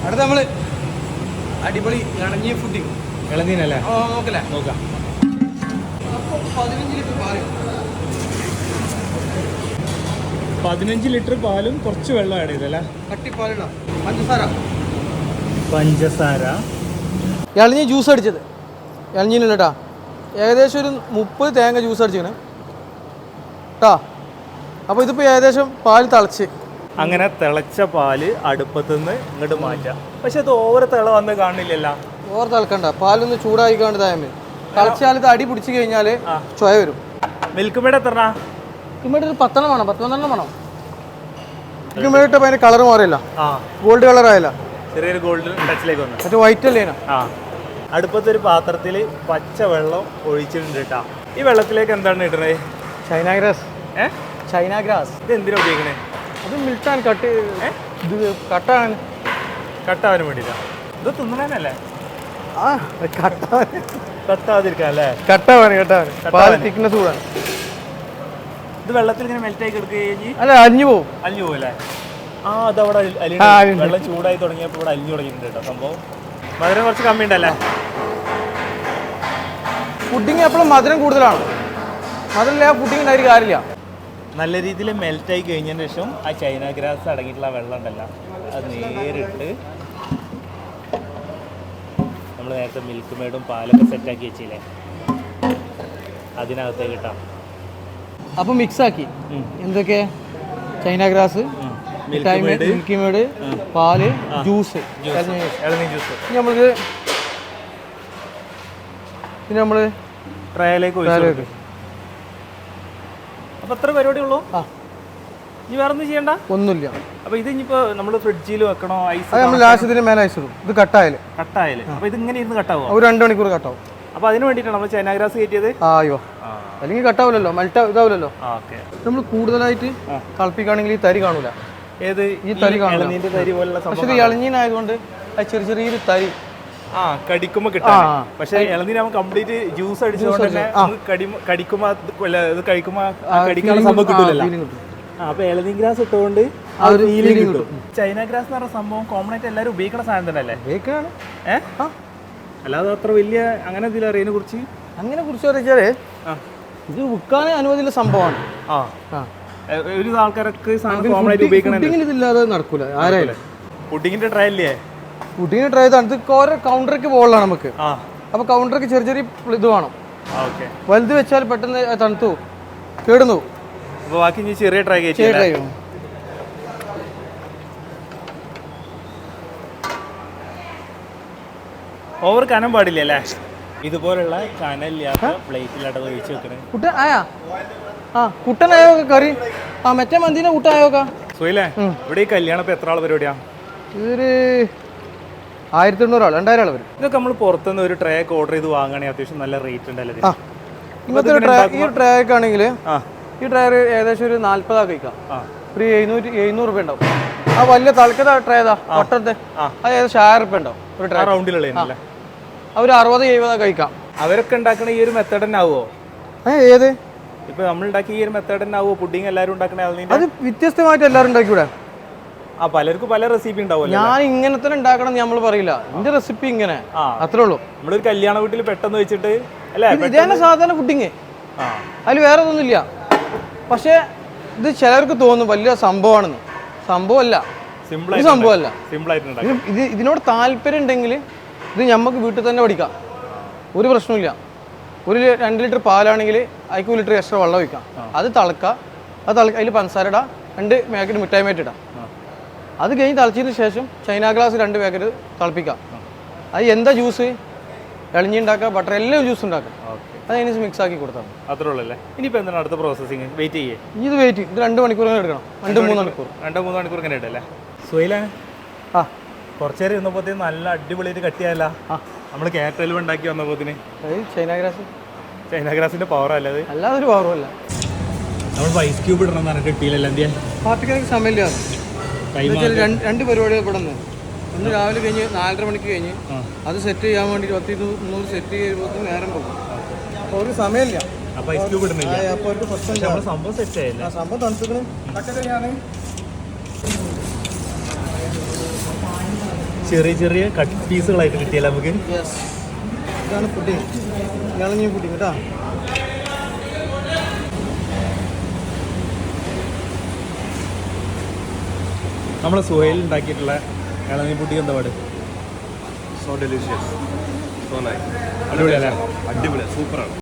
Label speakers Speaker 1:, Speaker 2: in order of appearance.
Speaker 1: അടുത്ത നമ്മൾ അടിപൊളി ഇളഞ്ഞി ഫുഡിങ്.
Speaker 2: ഇളനീനല്ലേ?
Speaker 1: നോക്കല്ലേ,
Speaker 2: നോക്കാം.
Speaker 1: അപ്പോൾ 15 ലിറ്റർ പാല്.
Speaker 2: 15 ലിറ്റർ പാലും കുറച്ച് വെള്ളം ആഡ് ചെയ്തല്ലേ?
Speaker 1: കട്ടിപ്പാലിടാം.
Speaker 2: പഞ്ചസാര.
Speaker 1: ഇളഞ്ഞി ജ്യൂസ് അടിച്ചത് ഇളഞ്ഞിനുള്ള കേട്ടോ. ഏകദേശം ഒരു 30 തേങ്ങ ജ്യൂസ് അടിച്ചിങ്ങനെ കേട്ടോ. അപ്പോൾ ഇതിപ്പോൾ ഏകദേശം പാൽ തിളച്ച്.
Speaker 2: അങ്ങനെ തിളച്ച പാല് അടുപ്പത്തുനിന്ന് ഇങ്ങോട്ട് മാറ്റാം. പക്ഷെ അത് ഓവർ തിള വന്ന് കാണില്ലല്ലോ.
Speaker 1: ഓവർ തിളക്കണ്ട, പാലൊന്ന് ചൂടായി കാണ്ട് തായമേ. തിളച്ചാൽ ഇത് അടി പിടിച്ച് കഴിഞ്ഞാൽ ചൊയ വരും.
Speaker 2: മിൽക്ക് മേഡ് എത്ര?
Speaker 1: ഇവിടെ ഒരു 10 വേണം, 10-12 വേണം. മിൽക്ക് മേഡ് ഇട്ടപ്പോൾ അതിൻ്റെ കളർ മാറിയില്ല, ഗോൾഡ് കളർ ആയില്ല,
Speaker 2: ചെറിയൊരു ഗോൾഡ് ടച്ചിലേക്ക് വന്നു.
Speaker 1: മറ്റേ വൈറ്റ് അല്ലേ?
Speaker 2: അടുപ്പത്തൊരു പാത്രത്തിൽ പച്ച വെള്ളം ഒഴിച്ചിട്ടുണ്ട് കേട്ടോ. ഈ വെള്ളത്തിലേക്ക് എന്താണ് ഇടുന്നത്?
Speaker 1: China grass. ചൈന ഗ്രാസ്
Speaker 2: ഇത് എന്തിനാ ഉപയോഗിക്കണേ?
Speaker 1: അത് മിൽട്ടാൻ കട്ട്, ഇത് കട്ടാൻ
Speaker 2: കട്ടാവാൻ വേണ്ടിയിട്ടാണ്. ഇത് തിന്നണല്ലേ?
Speaker 1: കട്ടാൻ
Speaker 2: കട്ടാതിരിക്കാം അല്ലേ?
Speaker 1: കട്ടാവാൻ പാൽ തിക്നെസ് കൂടാൻ.
Speaker 2: ഇത് വെള്ളത്തിൽ ഇങ്ങനെ മെൽറ്റായി കിടക്കുകയും
Speaker 1: അല്ല അലിഞ്ഞു പോകും.
Speaker 2: അലിഞ്ഞു പോകല്ലേ? അതവിടെ വെള്ളം ചൂടായി തുടങ്ങിയപ്പോൾ ഇവിടെ അലിഞ്ഞു തുടങ്ങിയിട്ടുണ്ട് കേട്ടോ സംഭവം. മധുരം കുറച്ച് കമ്മി ഉണ്ടല്ലേ?
Speaker 1: പുഡിങ് എപ്പോഴും മധുരം കൂടുതലാണ്. മധുരമില്ല പുഡിങ് ഉണ്ടായിട്ട് കാര്യമില്ല.
Speaker 2: നല്ല രീതിയിൽ മെൽറ്റായി കഴിഞ്ഞതിന് ശേഷം ആ ചൈന ഗ്രാസ് അടങ്ങിയിട്ടുള്ള വെള്ളം ഉണ്ടല്ലോ, അത് നേരിട്ട് നമ്മൾ നേരത്തെ മിൽക്ക് മേഡും പാലൊക്കെ സെറ്റാക്കി വെച്ചില്ലേ അതിനകത്തേക്ക് ഇട്ടാം.
Speaker 1: അപ്പോൾ മിക്സാക്കി എന്തൊക്കെ? ചൈന ഗ്രാസ്, മിൽക്കി മേഡ്, പാല്, ജ്യൂസ്,
Speaker 2: ഇളനീ ജ്യൂസ്.
Speaker 1: പിന്നെ നമ്മൾ
Speaker 2: ട്രയലേക്ക്. അപ്പോൾ എത്ര പരിപാടി ഉള്ളൂ? ഇനി വേറെ ഒന്നും ചെയ്യണ്ട, ഒന്നുമില്ല. അപ്പോൾ ഇത് ഇനിയിപ്പോൾ നമ്മൾ ഫ്രിഡ്ജിൽ വെക്കണോ? ഐസ്
Speaker 1: നമ്മൾ ലാസ്റ്റ് മേലെ ഐസ് ഇടും. ഇത് കട്ടായാലും
Speaker 2: അപ്പോൾ ഇത് ഇങ്ങനെ ഇരുന്ന് കട്ടാവും.
Speaker 1: ഒരു 2 മണിക്കൂർ കട്ടാവും.
Speaker 2: അപ്പോൾ അതിന് വേണ്ടിയിട്ടാണ് നമ്മൾ ചൈന ഗ്രാസ് കയറ്റിയത്.
Speaker 1: അയ്യോ, അല്ലെങ്കിൽ കട്ടാവില്ലല്ലോ, മെൽറ്റ് ഇതാവില്ലല്ലോ. നമ്മൾ കൂടുതലായിട്ട് കളിപ്പിക്കുകയാണെങ്കിൽ ഈ തരി കാണൂല.
Speaker 2: ഏത്?
Speaker 1: ഈ തരി കാണില്ല.
Speaker 2: തരി പോലുള്ള
Speaker 1: പക്ഷേ ഇത് ഇളഞ്ഞീനായതുകൊണ്ട് ചെറിയൊരു തരി
Speaker 2: കടിക്കുമ്പോ കിട്ടാം. പക്ഷെ ഇളനീര് നമുക്ക് കംപ്ലീറ്റ് ജ്യൂസ് അടിച്ചുകൊണ്ട് തന്നെ കടിക്കുമ്പോ ഇത് കഴിക്കുമ്പോ കടിക്കാനുള്ള സംഭവം കിട്ടൂലല്ലോ. അപ്പൊ ഇളനീ ഗ്രാസ് ഇട്ടുകൊണ്ട് ചൈന ഗ്രാസ് എന്ന് പറഞ്ഞ സംഭവം കോമൺ ആയിട്ട് എല്ലാവരും ഉപയോഗിക്കുന്ന സാധനം തന്നെ അല്ലേ? അല്ലാതെ അത്ര വലിയ അങ്ങനെ എന്തെങ്കിലും അറിയാനെ കുറിച്ച്
Speaker 1: അറിയിച്ചാലേ ഇത് വിൽക്കാൻ അനുമതിയുള്ള സംഭവമാണ്.
Speaker 2: ഒരു ആൾക്കാരൊക്കെ കോമൺ ആയിട്ട് ഉപയോഗിക്കണ
Speaker 1: ഇതില്ലാതെ നടക്കൂല. ആരായാലും
Speaker 2: പുഡിങ്ങിന്റെ ട്രൈ അല്ലേ?
Speaker 1: പുഡിങ്ങിന് ട്രൈ ചെയ്താണ്. ഇത് ഓരോ കൗണ്ടർക്ക് പോകലാണ് നമുക്ക്. അപ്പൊ കൗണ്ടർക്ക് ചെറിയ ഇത് വേണം. വലുത് വെച്ചാൽ പെട്ടെന്ന് തണുത്തു കേടുന്നു.
Speaker 2: ബാക്കി ചെറിയ ട്രൈ ചെയ്യും. ഓവർ കനം പാടില്ല അല്ലേ? ഇതുപോലുള്ള കനലില്ലാത്ത പ്ലേറ്റിലാട്ടത് ഒഴിച്ച് വെക്കണേ.
Speaker 1: കുട്ടനായോ കറി? മറ്റേ മന്തിന്റെ കൂട്ടായോക്കാ.
Speaker 2: സുഖല്ലേ? ഇവിടെ ഈ കല്യാണം ഇപ്പൊ എത്ര ആൾ പരിപാടിയാ?
Speaker 1: ഇതൊരു 1800 ആൾ, 2000 ആൾ വരും.
Speaker 2: ഇതൊക്കെ നമ്മൾ പുറത്തുനിന്ന് ഒരു ട്രേ ഒക്കെ ഓർഡർ ചെയ്ത് വാങ്ങുകയാണെങ്കിൽ അത്യാവശ്യം നല്ല റേറ്റ് ഉണ്ടല്ലോ.
Speaker 1: ഇങ്ങനത്തെ ഈ ട്രേ ഒക്കെ ആണെങ്കിൽ ഈ ട്രേ ഏകദേശം ഒരു 40 കഴിക്കാം. ഒരു 700 രൂപ ഉണ്ടാവും. ആ വലിയ തളക്കത്തെ ട്രേ ഏതാ ഒട്ടത്തെ അത് ഏകദേശം 1000 രൂപ ഉണ്ടാവും ഒരു ട്രേ.
Speaker 2: റൗണ്ടിലുള്ള
Speaker 1: അവർ 60-70 കഴിക്കാം.
Speaker 2: അവരൊക്കെ ഉണ്ടാക്കണ ഈ ഒരു മെത്തേഡ് തന്നെ ആവുമോ?
Speaker 1: ഏത്
Speaker 2: ഇപ്പൊ നമ്മൾ ഉണ്ടാക്കിയ ഈ ഒരു മെത്തേഡ് തന്നെ ആവുമോ പുഡിങ് എല്ലാവരും ഉണ്ടാക്കണ?
Speaker 1: അത് വ്യത്യസ്തമായിട്ട് എല്ലാവരും ഉണ്ടാക്കിക്കൂടെ?
Speaker 2: പലർക്കും പല റെസിപ്പി ഉണ്ടാവും.
Speaker 1: ഞാൻ ഇങ്ങനെ തന്നെ ഉണ്ടാക്കണം നമ്മൾ പറയില്ല. എന്റെ റെസിപ്പി ഇങ്ങനെ അത്രേ ഉള്ളൂ.
Speaker 2: നമ്മളൊരു കല്യാണ വീട്ടിൽ പെട്ടെന്ന് വെച്ചിട്ട്
Speaker 1: ഇതാണ് സാധാരണ ഫുഡിങ്, അതിൽ വേറെ ഒന്നുമില്ല. പക്ഷെ ഇത് ചിലർക്ക് തോന്നും വലിയ സംഭവമാണെന്ന്. സംഭവമല്ല, സംഭവമല്ല. ഇതിനോട് താല്പര്യം ഉണ്ടെങ്കിൽ ഇത് നമുക്ക് വീട്ടിൽ തന്നെ പഠിക്കാം, ഒരു പ്രശ്നമില്ല. ഒരു 2 ലിറ്റർ പാലാണെങ്കിൽ അതിക്ക് 1 ലിറ്റർ എക്സ്ട്രാ വെള്ളം ഒഴിക്കാം. അത് തിളക്കുക, അതിൽ പഞ്ചസാര ഇടാം, 2 പാക്കറ്റ് മിഠായി മേറ്റ് ഇടാം. അത് കഴിഞ്ഞ് തിളച്ചതിന് ശേഷം ചൈന ഗ്ലാസ് 2 പാക്കറ്റ് തിളപ്പിക്കാം. അത് എന്താ ജ്യൂസ്? ഇളഞ്ഞി ഉണ്ടാക്കുക, ബട്ടർ, എല്ലാം ജ്യൂസ് ഉണ്ടാക്കുക. അത് അതിന് മിക്സ് ആക്കി കൊടുത്താൽ
Speaker 2: അത്രേ ഉള്ളല്ലേ? ഇനിയിപ്പോൾ എന്താണ് അടുത്ത പ്രോസസ്സിങ്? വെയിറ്റ് ചെയ്യേ?
Speaker 1: ഇത് വെയിറ്റ്, ഇത് 2 മണിക്കൂർ എടുക്കണം. 2-3 മണിക്കൂർ
Speaker 2: 2-3 മണിക്കൂർ ഇങ്ങനെ ഇടല്ലേ? സുഹൈലേ, കുറച്ച് നേരം ഇരുന്നപ്പോഴത്തേന് നല്ല അടിപൊളിയായിട്ട് കട്ടിയായല്ല. നമ്മൾ കേരളത്തിൽ ഉണ്ടാക്കി വന്നപ്പോഴത്തേന് ചൈന ഗ്രാസിന്റെ പവർ അല്ല അത്?
Speaker 1: അല്ലാതെ ഒരു പവറും അല്ല.
Speaker 2: നമ്മൾ ഐസ് ക്യൂബ് ഇടണം എന്ന് പറഞ്ഞിട്ട് കിട്ടിയില്ല. എന്തിയാ
Speaker 1: പാർട്ടിക്കാർക്ക് സമയമില്ല. 2 പരിപാടികൾ പെടുന്നു. ഒന്ന് രാവിലെ കഴിഞ്ഞ് 4:30 മണിക്ക് കഴിഞ്ഞ് അത് സെറ്റ് ചെയ്യാൻ വേണ്ടി 200-300 സെറ്റ് ചെയ്യുമ്പോൾ നേരം പോകും. അപ്പോൾ ഒരു സമയമില്ല.
Speaker 2: അപ്പോൾ ഐസ് ക്യൂബ് ഇടുന്നില്ല.
Speaker 1: അപ്പോൾ ഒരു പ്രശ്നം.
Speaker 2: സംഭവം സെറ്റ് ആയില്ല.
Speaker 1: സംഭവം തണുത്തുക്കണം.
Speaker 2: ചെറിയ ചെറിയ കട്ട് പീസുകളായിട്ട് കിട്ടിയല്ലോ നമുക്ക്.
Speaker 1: ഇതാണ് പുഡിങ്, ഇളനീ പുഡിങ് കേട്ടോ.
Speaker 2: നമ്മളെ സുഹൈൽ ഉണ്ടാക്കിയിട്ടുള്ള ഇളനീ പുഡിങ് എന്താ പാട്?
Speaker 3: So delicious, so nice.
Speaker 2: അടിപൊളിയല്ലേ?
Speaker 3: അടിപൊളി, സൂപ്പറാണ്.